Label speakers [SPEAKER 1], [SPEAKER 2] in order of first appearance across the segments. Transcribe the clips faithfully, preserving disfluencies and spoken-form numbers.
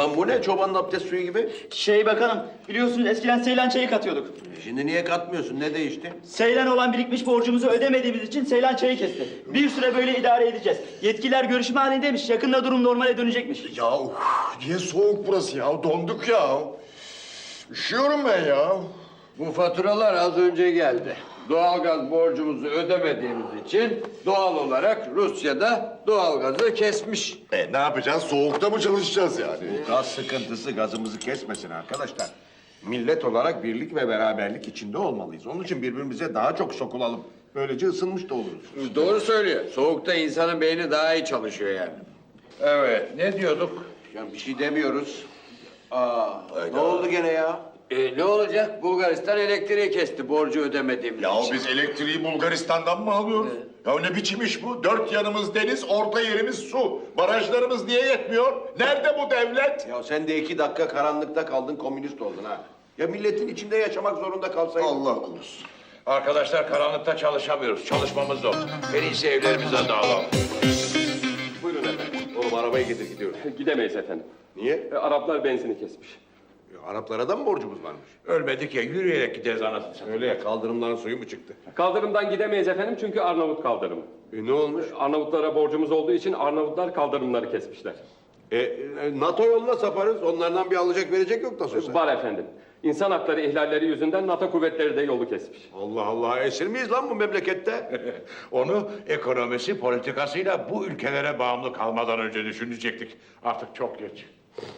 [SPEAKER 1] Ulan bu ne çobanın abdest suyu gibi?
[SPEAKER 2] Şey bakanım, biliyorsunuz eskiden Seylan çayı katıyorduk.
[SPEAKER 1] Şimdi niye katmıyorsun? Ne değişti?
[SPEAKER 2] Seylan olan birikmiş borcumuzu ödemediğimiz için Seylan çayı kesti. Bir süre böyle idare edeceğiz. Yetkililer görüşme halindeymiş. Yakında durum normale dönecekmiş.
[SPEAKER 3] Ya uf, niye soğuk burası ya? Donduk ya. Üşüyorum ben ya.
[SPEAKER 4] Bu faturalar az önce geldi. Doğalgaz borcumuzu ödemediğimiz için doğal olarak Rusya'da doğalgazı kesmiş.
[SPEAKER 3] E ne yapacağız? Soğukta mı çalışacağız yani?
[SPEAKER 1] Gaz sıkıntısı gazımızı kesmesin arkadaşlar. Millet olarak birlik ve beraberlik içinde olmalıyız. Onun için birbirimize daha çok sokulalım. Böylece ısınmış da oluruz.
[SPEAKER 4] Doğru söylüyor. Soğukta insanın beyni daha iyi çalışıyor yani. Evet, ne diyorduk?
[SPEAKER 1] Ya bir şey demiyoruz. Aa, ne oldu gene ya?
[SPEAKER 4] E, ne olacak? Bulgaristan elektriği kesti borcu ödemediğimiz
[SPEAKER 3] Ya
[SPEAKER 4] için.
[SPEAKER 3] biz elektriği Bulgaristan'dan mı alıyoruz? Ya ne biçim iş bu? Dört yanımız deniz, orta yerimiz su. Barajlarımız niye yetmiyor? Nerede bu devlet?
[SPEAKER 1] Ya sen de iki dakika karanlıkta kaldın, komünist oldun ha. Ya milletin içinde yaşamak zorunda kalsaydın.
[SPEAKER 3] Allah korusun.
[SPEAKER 5] Arkadaşlar karanlıkta çalışamıyoruz. Çalışmamız zor. En iyisi evlerimize dağılalım.
[SPEAKER 1] Buyurun efendim. Oğlum arabayı getir gidiyoruz.
[SPEAKER 6] Gidemeyiz efendim.
[SPEAKER 1] Niye?
[SPEAKER 6] E, Araplar benzini kesmiş.
[SPEAKER 1] Ya, Araplara da mı borcumuz varmış?
[SPEAKER 5] Ölmedik ya yürüyerek gideriz anasını satayım.
[SPEAKER 1] Öyle ya kaldırımların suyu mu çıktı?
[SPEAKER 6] Kaldırımdan gidemeyiz efendim çünkü Arnavut kaldırımı.
[SPEAKER 1] E, ne olmuş?
[SPEAKER 6] Arnavutlara borcumuz olduğu için Arnavutlar kaldırımları kesmişler.
[SPEAKER 1] E, e, NATO yoluna saparız. Onlardan bir alacak verecek yok nasıl olsa.
[SPEAKER 6] Var efendim. İnsan hakları ihlalleri yüzünden NATO kuvvetleri de yolu kesmiş.
[SPEAKER 1] Allah Allah. Esir miyiz lan bu memlekette?
[SPEAKER 5] Onu ekonomisi, politikasıyla bu ülkelere bağımlı kalmadan önce düşünecektik. Artık çok geç.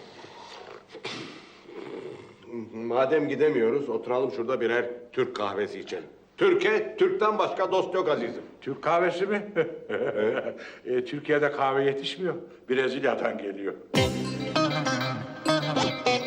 [SPEAKER 1] Madem gidemiyoruz, oturalım şurada birer Türk kahvesi içelim. Türkiye, Türk'ten başka dost yok azizim.
[SPEAKER 5] Türk kahvesi mi? e, Türkiye'de kahve yetişmiyor. Brezilya'dan geliyor.